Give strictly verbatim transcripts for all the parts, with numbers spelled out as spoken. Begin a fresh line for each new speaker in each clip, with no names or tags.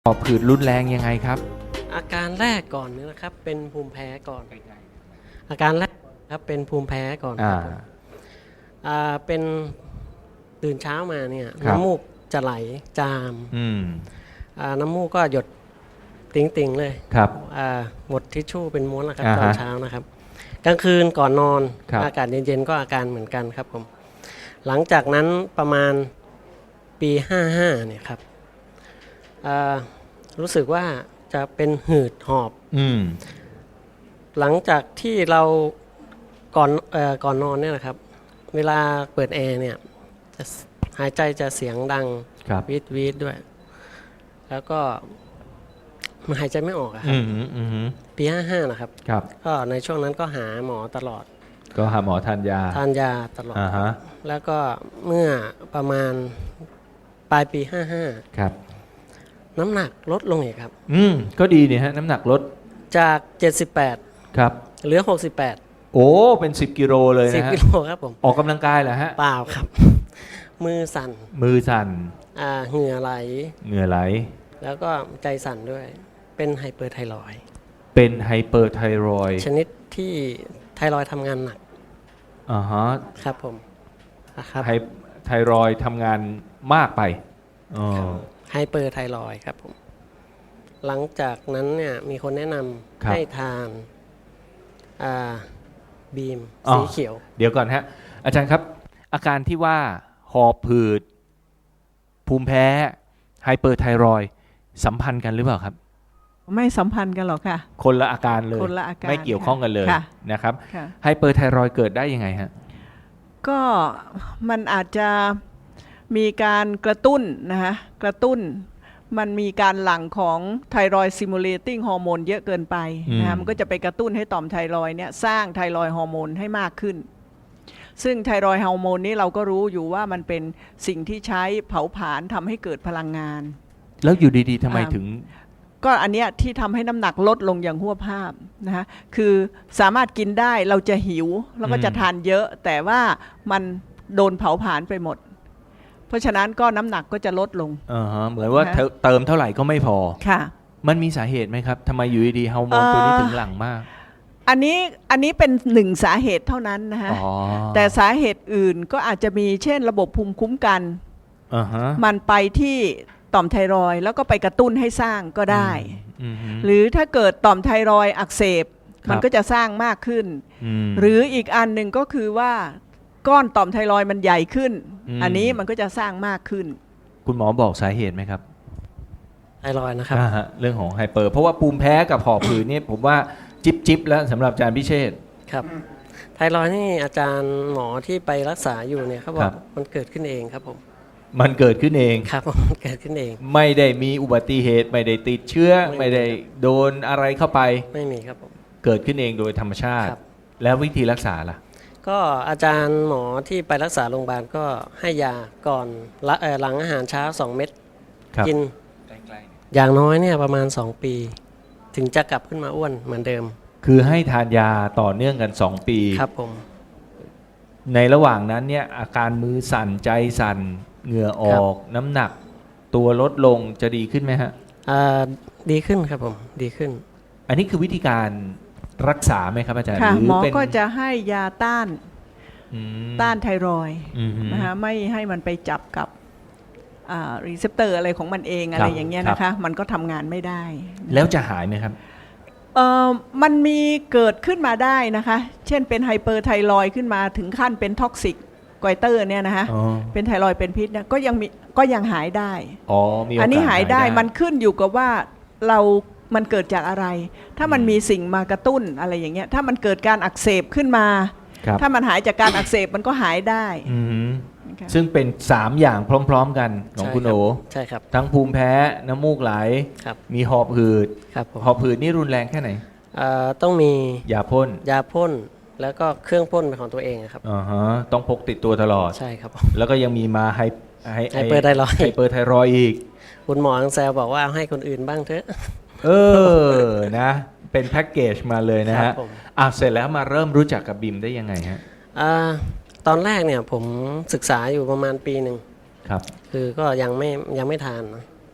หอบผืดรุนแรงยังไงครับ
อาการแรกก่อนเนี่ยนะครับเป็นภูมิแพ้ก่อนอาการแรกครับเป็นภูมิแพ้ก่อนครับอ่าเป็นตื่นเช้ามาเนี่ยน้ำมูกจะไหลจามอ่าน้ำมูกก็หยดติ่งๆเลย
ครับ
อ่าหมดทิชชู่เป็นม้วนนะครับตอนเช้านะครับกลางคืนก่อนนอนอากาศเย็นๆก็อาการเหมือนกันครับผมหลังจากนั้นประมาณปีห้าห้าเนี่ยครับอ่ารู้สึกว่าจะเป็นหืดหอบอืมหลังจากที่เราก่อนเอ่อก่อนนอนเนี่ยนะครับเวลาเปิดแอร์เนี่ยจะหายใจจะเสียงดังวีดวีดด้วยแล้วก็มันหายใจไม่ออกครับปีห้าห้านะครับก็ในช่วงนั้นก็หาหมอตลอด
ก็หาหมอทานยา
ทานยาตลอดแล้วก็เมื่อประมาณปลายปีห้าห้า
ครับ
น้ำหนักลดลงอีกครับ
อืมก็ดีเนี่ยฮะน้ำหนักลด
จากเจ็ดสิบแปด
ครับ
เหลือหกสิบแปด
โอ้เป็นสิบกิโลเลยนะฮะ
สิบกิโลครับผม
ออกกำลังกายเหรอฮะ
เปล่าครับมือสั่น
มือสั่น
อ่าเหงื่อไหล
เหงื่อไหล
แล้วก็ใจสั่นด้วยเป็นไฮเปอร์ไทรอยด์
เป็นไฮเปอร์ไทรอยด์
ชนิดที่ไทรอยด์ทำงานหนัก
อ่าฮะ
ครับผม
ครับไทรอยด์ทำงานมากไปอ๋อ
ไฮเปอร์ไทรอยด์ครับผมหลังจากนั้นเนี่ยมีคนแนะนำให้ทานบีมสีเขียว
เดี๋ยวก่อนฮะอาจารย์ครับอาการที่ว่าหอบผืดภูมิแพ้ไฮเปอร์ไทรอยด์สัมพันธ์กันหรือเปล่าครับ
ไม่สัมพันธ์กันหรอกค่ะ
คนละอาการเลย
คนละอาการ
ไม่เกี่ยวข้องกันเลยนะครับไฮเปอร์ไทรอยด์เกิดได้ยังไงฮะ
ก็มันอาจจะมีการกระตุ้นนะฮะกระตุ้นมันมีการหลั่งของไทรอยด์ซิมูเลติ้งฮอร์โมนเยอะเกินไปนะฮะมันก็จะไปกระตุ้นให้ต่อมไทรอยด์เนี่ยสร้างไทรอยด์ฮอร์โมนให้มากขึ้นซึ่งไทรอยด์ฮอร์โมนนี้เราก็รู้อยู่ว่ามันเป็นสิ่งที่ใช้เผาผลาญทำให้เกิดพลังงาน
แล้วอยู่ดีๆทำไมถึง
ก็อันเนี้ยที่ทำให้น้ำหนักลดลงอย่างหัวภาพนะฮะคือสามารถกินได้เราจะหิวแล้วก็จะทานเยอะแต่ว่ามันโดนเผาผลาญไปหมดเพราะฉะนั้นก็น้ำหนักก็จะลดลง
อ่าฮะเหมือนว่าเติมเท่าไหร่ก็ไม่พอ
ค่ะ
มันมีสาเหตุไหมครับทำไมอยู่ดีๆฮอร์โมนตัวนี้ถึงหลั่งมาก
อันนี้อันนี้เป็นหนึ่งสาเหตุเท่านั้นนะฮะแต่สาเหตุอื่นก็อาจจะมีเช่นระบบภูมิคุ้มกันมันไปที่ต่อมไทรอยด์แล้วก็ไปกระตุ้นให้สร้างก็ได้หรือถ้าเกิดต่อมไทรอยด์อักเสบมันก็จะสร้างมากขึ้นหรืออีกอันหนึ่งก็คือว่าก้อนต่อมไทรอยด์มันใหญ่ขึ้น อ, อันนี้มันก็จะสร้างมากขึ้น
คุณหมอบอกสาเหตุไหมครับ
ไทรอยด์นะครับ
เรื่องของไฮเปอร์เพราะว่าภูมิแพ้กับหอบผืดนี่ผมว่าจิ๊บจิ๊บแล้วสำหรับอาจารย์พิเชษ
ครับไทรอยด์นี่อาจารย์หมอที่ไปรักษาอยู่เนี่ยเขาบอกมันเกิดขึ้นเองครับผม
มันเกิดขึ้นเอง
ครับมันเกิดขึ้นเอง
ไม่ได้มีอุบัติเหตุไม่ได้ติดเชื้อไม่ได้โดนอะไรเข้าไป
ไม่มีครับผม
เกิดขึ้นเองโดยธรรมชาติแล้ววิธีรักษาล่ะ
ก็อาจารย์หมอที่ไปรักษาโรงพยาบาลก็ให้ยาก่อนหลังอาหารเช้าสองเม็ดกินอย่างน้อยเนี่ยประมาณสองปีถึงจะกลับขึ้นมาอ้วนเหมือนเดิม
คือให้ทานยาต่อเนื่องกันสองปี
ครับผม
ในระหว่างนั้นเนี่ยอาการมือสั่นใจสั่นเหงื่อออกน้ำหนักตัวลดลงจะดีขึ้นไหมฮะ
ดีขึ้นครับผมดีขึ้น
อันนี้คือวิธีการรักษาไหมครับอาจารย์
ค่ะหมอก็จะให้ยาต้านต้านไทรอยด์นะคะไม่ให้มันไปจับกับรีเซพเตอร์อะไรของมันเองอะไรอย่างเงี้ยนะคะมันก็ทำงานไม่ได้
แล้วจะหายไหมครับ
เอ่อมันมีเกิดขึ้นมาได้นะคะเช่นเป็นไฮเปอร์ไทรอยด์ขึ้นมาถึงขั้นเป็นท็อกซิกไกเตอร์เนี่ยนะคะเป็นไทรอยด์เป็นพิษเนี่ยก็ยังมีก็ยังหายได้
อ๋อมีโอกาส
อันนี้หายได้มันขึ้นอยู่กับว่าเรามันเกิดจากอะไรถ้ามันมีสิ่งมากระตุ้นอะไรอย่างเงี้ยถ้ามันเกิดการอักเสบขึ้นมาถ้ามันหายจากการอักเสบมันก็หายได้
ซึ่งเป็นสามอย่างพร้อมๆกันของคุณโอ
ใช่ครับ
ทั้งภูมิแพ้น้ำมูกไหลมีหอบหืดหอบหืดนี่รุนแรงแค่ไหน
ต้องมี
ยาพ่น
ยาพ่นแล้วก็เครื่องพ่นเป็นของตัวเองครับ
อ๋อฮะต้องพกติดตัวตลอด
ใช่ครับ
แล้วก็ยังมีมาไฮ
ไฮเปอร์ไทรอยด์
ไฮเปอร์ไทรอยด์อีก
คุณหมอแซวบอกว่าให้คนอื่นบ้างเถอะ
เออนะเป็นแพ็กเกจมาเลยนะฮะอ่ะเสร็จแล้วมาเริ่มรู้จักกับบิมได้ยังไงฮะ
อ่าตอนแรกเนี่ยผมศึกษาอยู่ประมาณปีหนึ่ง
ครับ
คือก็ยังไม่ยังไม่ทานนะ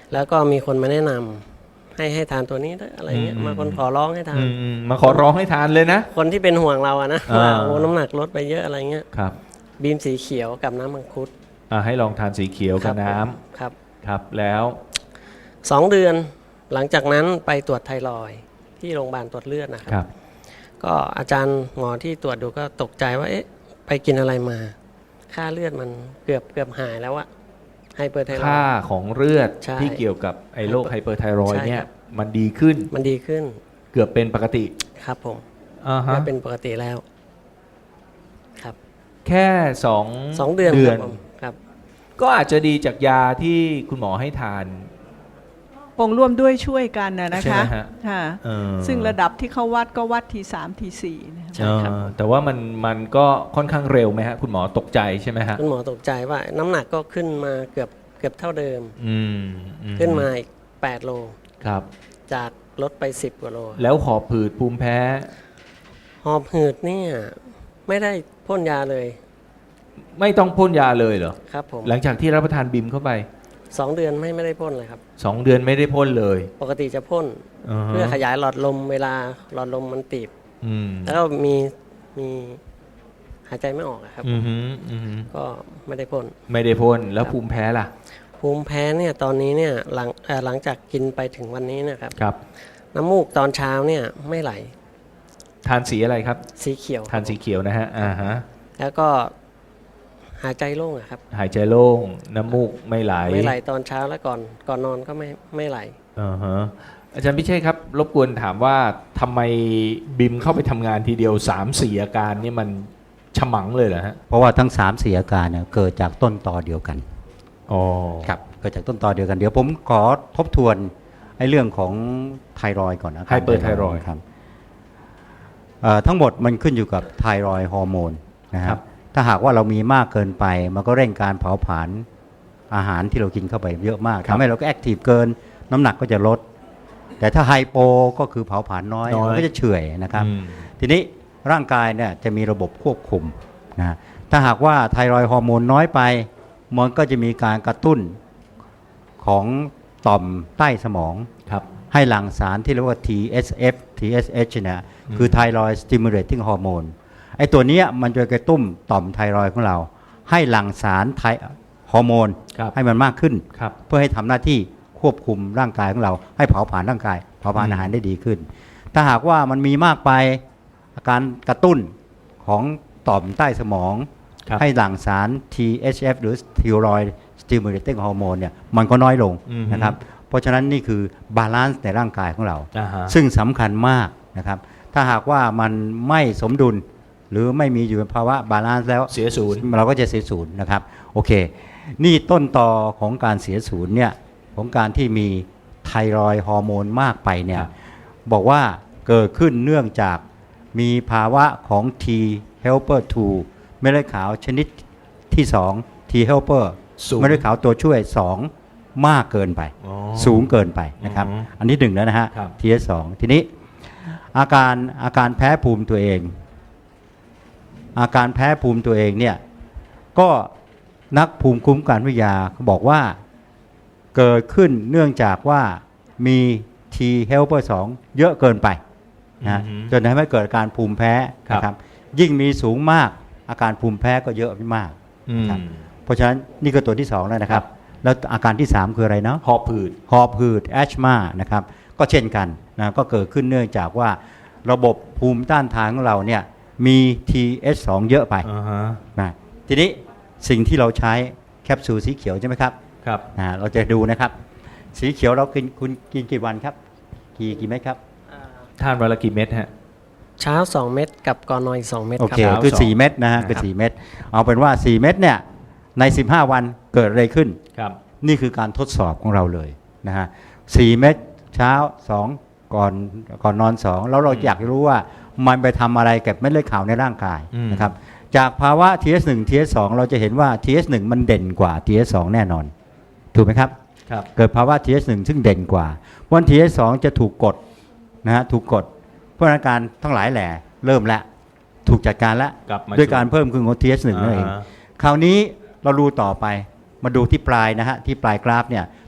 แล้วก็มีคนมาแนะนำให้ให้ทานตัวนี้ด้วยอะไรเงี้ย
อืม
มาคนขอร้องให้ทาน
อืมอืมมาขอร้องให้ทานเลยนะ
คนที่เป็นห่วงเราอะนะ
อ่า
ว่าโอ้น้ำหนักลดไปเยอะอะไรเงี้ย
ครับ
บีมสีเขียวกับน้ำมังคุด
อ่าให้ลองทานสีเขียวกับน้ำ
ครับ
ครับแล้ว
สองเดือนหลังจากนั้นไปตรวจไทรอยด์ที่โรงพยาบาลตรวจเลือดนะค
ครับ รับ
ก็อาจารย์หมอที่ตรวจดูก็ตกใจว่าเอ๊ะไปกินอะไรมา ค่าเลือดมันเกือบเกือบหายแล้วอะไฮเปอร์ไทรอย
ค่า
ด์
ของเลือด
ใช่
ที่เกี่ยวกับไอ้โรคไฮเปอร์ไทรอยด์
ใช่
เนี่ย
ครับ
มันดีขึ้น
มันดีขึ้น
เกือบเป็นปกติ
ครับผม
อ่าฮะ
ก็เป็นปกติแล้วครับ
แค่สอง
สองเดือน
เดื
ค
อ
รั
น
บผมครับ
ก็อาจจะดีจากยาที่คุณหมอให้ทาน
ปงร่วมด้วยช่วยกันนะนะ
ใช่ไห
คะ
มฮะ
ค่ะ
เออ
ซึ่งระดับที่เขาวัดก็วัดทีสามทีสี่นะคะ
ใช่ครับ
เออแต่ว่ามันมันก็ค่อนข้างเร็วไหมฮะ คุณหมอตกใจใช่ไหมฮะ
คุณหมอตกใจว่าน้ำหนักก็ขึ้นมาเกือบเกือบเท่าเดิม
อืมอื
ขึ้นมาอีกแปดโล
ครับ
จากลดไปสิบกว่าโล
แล้วหอบผืดภูมิแพ้
หอบหืดเนี่ยไม่ได้พ่นยาเลย
ไม่ต้องพ่นยาเลยเหรอ
ครับผม
หลังจากที่รับประทานบิมเข้าไป
สองเดือนไม่ไม่ได้พ่นเลยครับ
สองเดือนไม่ได้พ่นเลย
ปกติจะพ่น
าฮะ
เพื่อขยายหลอดลมเวลาหลอดลมมันตีบ
อืม
แล้วก็มีมีหายใจไม่ออกอะครับ
อือหืออือหือ
ก็ไม่ได้พ่น
ไม่ได้พ่นแล้วภูมิแพ้ล่ะ
ภูมิแพ้เนี่ยตอนนี้เนี่ยหลังเอ่อหลังจากกินไปถึงวันนี้เนะครับ
ครับ
น้ำมูกตอนเช้าเนี่ยไม่ไหล
ทานสีอะไรครับ
สีเขียว
ทานสีเขียวนะฮะอ่าฮะ
แล้วก็หายใจโล่งอะครับ
หายใจโล่งน้ำมูกไม่ไหล
ไม่ไหลตอนเช้าแล้วก่อนก่อนนอนก็ไม่ไม่ไหล
อ่าฮะอาจารย์พิเชษครับ รบกวนถามว่าทำไมบิมเข้าไปทำงานทีเดียวสามสี่อาการนี่มันฉมังเลยเหรอฮะ
เพราะว่าทั้งสามสี่อาการเนี่ยเกิดจากต้นตอเดียวกัน
อ๋อ
ครับเกิดจากต้นตอเดียวกันเดี๋ยวผมขอทบทวนไอ้เรื่องของไทรอยด์ก่อนนะ
ไฮเปอร์ไทรอยด์
ครับเอ่อทั้งหมดมันขึ้นอยู่กับไทรอยด์ฮอร์โมนนะค
ครั
รับบ ถ้าหากว่าเรามีมากเกินไปมันก็เร่งการเผาผลาญอาหารที่เรากินเข้าไปเยอะมากทำให้เราก็แอคทีฟเกินน้ำหนักก็จะลด แต่ถ้าไฮโปก็คือเผาผลาญน้อย
น้อย
มันก็จะเฉื่อยนะครับ
อืม
ทีนี้ร่างกายเนี่ยจะมีระบบควบคุมนะถ้าหากว่าไทรอยด์ฮอร์โมนน้อยไป มันก็จะมีการกระตุ้นของต่อมใต้สมอง
ครับ
ให้หลั่งสารที่เรียกว่า ที เอส เอฟ ที เอส เอช เนี่ยคือ Thyroid Stimulating Hormone ไอ้ตัวเนี้ยมันจะกระตุ้นต่อมไทรอยด์ของเรา ให้หลั่งสารไทฮอร์โมน
ครับ
ให้มันมากขึ้น
ครับ
เพื่อให้ทำหน้าที่ควบคุมร่างกายของเรา ให้เผาผลาญร่างกายเผาผลาญ
อืม
อาหารได้ดีขึ้น ถ้าหากว่ามันมีมากไปอาการกระตุ้นของต่อมใต้สมอง
ครับ
ให้หลั่งสาร ที เอช เอฟ หรือ Thyroid Stimulating Hormone เนี่ยมันก็น้อยลง
อืม
นะครับเพราะฉะนั้นนี่คือบาลานซ์ในร่างกายของเรา
อ่าฮะ
ซึ่งสำคัญมากนะครับถ้าหากว่ามันไม่สมดุล หรือไม่มีอยู่ในภาวะบาลานซ์แล้ว
เสียศูนย์
เราก็จะเสียศูนย์นะครับโอเค นี่ต้นตอของการเสียศูนย์เนี่ยของการที่มีไทรอยด์ฮอร์โมนมากไปเนี่ย
ครับ
บอกว่าเกิดขึ้นเนื่องจากมีภาวะของ T helper ทูเม็ดเลือดขาวชนิดที่สอง T helper
สูง
เม็ดเลือดขาวตัวช่วยสองมากเกินไป
อ๋อ
สูงเกินไปนะครับ
อือฮึ
อันที่หนึ่งแล้วนะฮะ
ครับ
ที เอส สองทีนี้อาการอาการแพ้ภูมิตัวเอง อาการแพ้ภูมิตัวเองเนี่ยก็นักภูมิคุ้มกันวิทยาเขาบอกว่าเกิดขึ้นเนื่องจากว่ามี T helper สองเยอะเกินไปนะ
อือฮึ
จนทำให้เกิดอาการภูมิแพ้
ครับ
นะครับยิ่งมีสูงมากอาการภูมิแพ้ก็เยอะมาก
อืม
ครับ เพราะฉะนั้นนี่ก็ตัวที่สองแล้วนะครับ แล้วอาการที่สามคืออะไรเนาะ
หอบผืด
หอบหืดแอชมานะครับก็เช่นกันนะก็เกิดขึ้นเนื่องจากว่าระบบภูมิต้านทานของเราเนี่ยมี ที เอช สอง เยอะไป
อ่าฮะ
นะทีนี้สิ่งที่เราใช้แคปซูลสีเขียวใช่ไหมครับ
ครับ
นะเราจะดูนะครับ สีเขียวเรากินคุณกินกี่วันครับ กี่กี่เม็ดครับ
ทานวันละกี่เม็ดฮะ
เช้าสองเม็ดกับก่อนนอนอีกสองเม็ด
โอ
ครั
เค
บ
เช้า
คือ
สอง
สี่เม็ดนะฮะคือ
นะครับ
สี่เม็ดเอาเป็นว่าสี่เม็ดเนี่ยในสิบห้าวันเกิดอะไรขึ้น
ครับ
นี่คือการทดสอบของเราเลยนะฮะสี่เม็ดเช้าสองก่อนก่อนนอนสองแล้วเรา
อืม
อยากรู้ว่ามันไปทำอะไรกับเม็ดเลือดขาวในร่างกาย
อืม
นะครับจากภาวะ ที เอส หนึ่ง ที เอส สอง เราจะเห็นว่า ที เอส หนึ่ง มันเด่นกว่า ที เอส สอง แน่นอน ถูกไหมครับ
ครับ
เกิดภาวะ ที เอส หนึ่ง ซึ่งเด่นกว่าวัน ที เอส สอง จะถูกกดนะฮะถูกกดเพราะอาการทั้งหลายแหล่เริ่มแล้วถูกจัดการแล้ว
กลับมา
ด้วยการเพิ่มขึ้นของ ที เอส หนึ่ง นั่นเอง
าฮะ
คราวนี้เราดูต่อไปมาดูที่ปลายนะฮะที่ปลายกราฟเนี่ย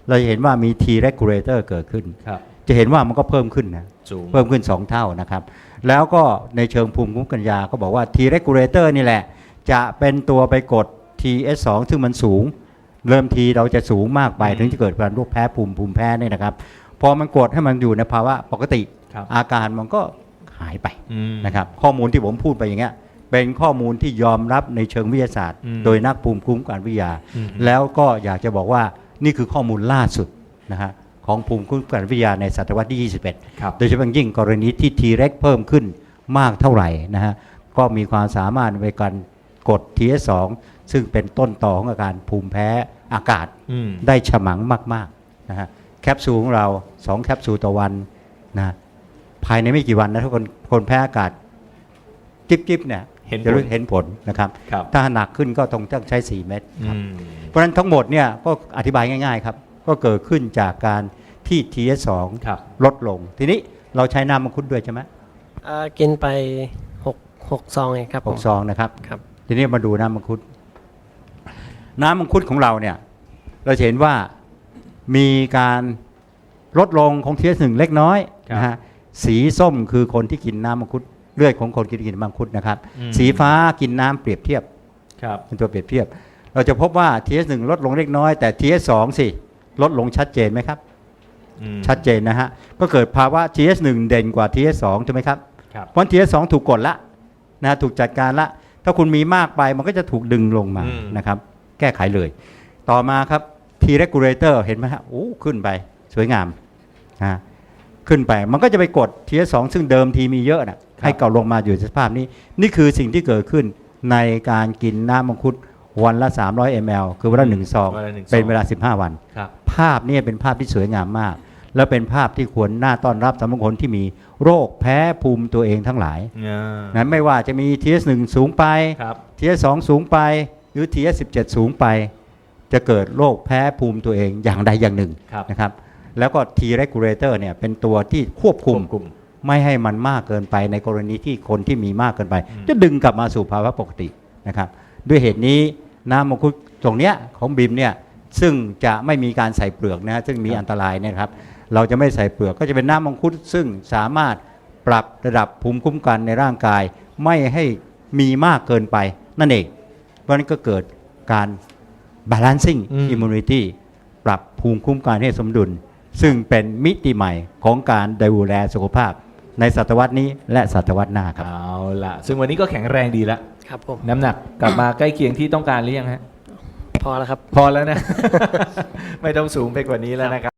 เราจะเห็นว่ามี T regulator เกิดขึ้น
ครับ
จะเห็นว่ามันก็เพิ่มขึ้นนะ
สูง
เพิ่มขึ้นสองเท่านะครับแล้วก็ในเชิงภูมิคุ้มกันยาก็บอกว่า T regulator นี่แหละจะเป็นตัวไปกด ที เอส สอง ซึ่งมันสูงเริ่มทีเราจะสูงมากไปถึงจะเกิดการโรคแพ้ภูมิภูมิแพ้นี่นะครับพอมันกดให้มันอยู่ในภาวะปกติ
ครับ
อาการมันก็หายไป
อืม
นะครับข้อมูลที่ผมพูดไปอย่างเงี้ยเป็นข้อมูลที่ยอมรับในเชิงวิทยาศาสตร์
อืม
โดยนักภูมิคุ้มกันวิทยา
อืม
แล้วก็อยากจะบอกว่านี่คือข้อมูลล่าสุดนะฮะของภูมิคุ้มกันวิทยาในศตวรรษที่ ยี่สิบเอ็ด
ครับ
โดยเฉพาะยิ่งกรณีที่ T reg เพิ่มขึ้นมากเท่าไหร่นะฮะก็มีความสามารถในการกด ที เอส สอง ซึ่งเป็นต้นต่อของอาการภูมิแพ้อากาศ
อืม
ได้ฉมังมากๆนะฮะแคปซูลของเราสองแคปซูลต่อวันนะภายในไม่กี่วันนะทุกคนคนแพ้อากาศจิ๊บๆเนี่ย
เห็นผล
จะรู้เห็นผลนะครับ
ครับ
ถ้าหนักขึ้นก็ต้องต้องใช้ สี่ เม็ดครับ
อืม
เพราะฉะนั้นทั้งหมดเนี่ยก็อธิบายง่ายๆครับก็เกิดขึ้นจากการที่ ที เอส สอง
ครับ
ลดลง ทีนี้เราใช้น้ำมังคุดด้วยใช่ไหม
อ่ากินไปหกหกซองเองครับ
ห
ผ
ก
ม
ซองนะครับ
ครับ
ทีนี้มาดูน้ำมังคุด น้ำมังคุดของเราเนี่ยเราจะเห็นว่ามีการลดลงของ ที เอส หนึ่ง เล็กน้อย
ครับ
นะฮะสีส้มคือคนที่กินน้ำมังคุดเลือดของคนกินกินน้ำมังคุดนะครับ
อืม
สีฟ้ากินน้ำเปรียบเทียบ
ครับ
เป็นตัวเปรียบเทียบ เราจะพบว่า ที เอส หนึ่ง ลดลงเล็กน้อยแต่ ที เอส สอง สิลดลงชัดเจนไหมครับ
อืม
ชัดเจนนะฮะก็เกิดภาวะ ที เอส หนึ่ง เด่นกว่า ที เอส สอง ใช่ไหมครับ
ครับ
เพราะ ที เอส สอง ถูกกดละนะฮะถูกจัดการละถ้าคุณมีมากไปมันก็จะถูกดึงลงมา
อืม
นะครับแก้ไขเลย ต่อมาครับ T regulator เห็นไหมฮะโอ้ขึ้นไปสวยงามนะขึ้นไปมันก็จะไปกด ที เอส สอง ซึ่งเดิมทีมีเยอะนะให้เก่าลงมาอยู่ในสภาพนี้ นี่คือสิ่งที่เกิดขึ้นในการกินน้ำมังคุดวันละ สามร้อย มิลลิลิตร คือวันละหนึ่งซอง
วันละหนึ่งซอง
เป็นเวลา สิบห้า วัน
ครับ
ภาพนี้เป็นภาพที่สวยงามมาก แล้วเป็นภาพที่ควรน่าต้อนรับสำหรับคนที่มีโรคแพ้ภูมิตัวเองทั้งหลาย
อ่า
นั้นไม่ว่าจะมี ที เอส หนึ่ง สูงไป
ครับ
ที เอส สอง สูงไปหรือ ที เอส สิบเจ็ด สูงไป จะเกิดโรคแพ้ภูมิตัวเองอย่างใดอย่างหนึ่ง
ครับ
นะครับแล้วก็ T regulator เนี่ยเป็นตัวที่ควบคุม
ควบคุม
ไม่ให้มันมากเกินไปในกรณีที่คนที่มีมากเกินไป
อืม
จะดึงกลับมาสู่ภาวะปกตินะครับด้วยเหตุนี้น้ำมังคุดตรงเนี้ยของบิมเนี่ยซึ่งจะไม่มีการใส่เปลือกนะฮะซึ่งมีอันตรายเนยนะครับเราจะไม่ใส่เปลือกก็จะเป็นน้ำมังคุดซึ่งสามารถปรับระดับภูมิคุ้มกันในร่างกาย ไม่ให้มีมากเกินไปนั่นเองเพราะฉะนั้นก็เกิดการ balancing
อืม
immunity ปรับภูมิคุ้มกันให้สมดุล ซึ่งเป็นมิติใหม่ของการดูแลสุขภาพในศตวรรษนี้และศตวรรษหน้าครับ
เอาล่ะ ซึ่งวันนี้ก็แข็งแรงดีแล้ว
ครับผม
น้ำหนักกลับมาใกล้เคียงที่ต้องการหรือยังฮะ
พอแล้วครับ
พอแล้วนะ ไม่ต้องสูงไปกว่านี้แล้วนะครับ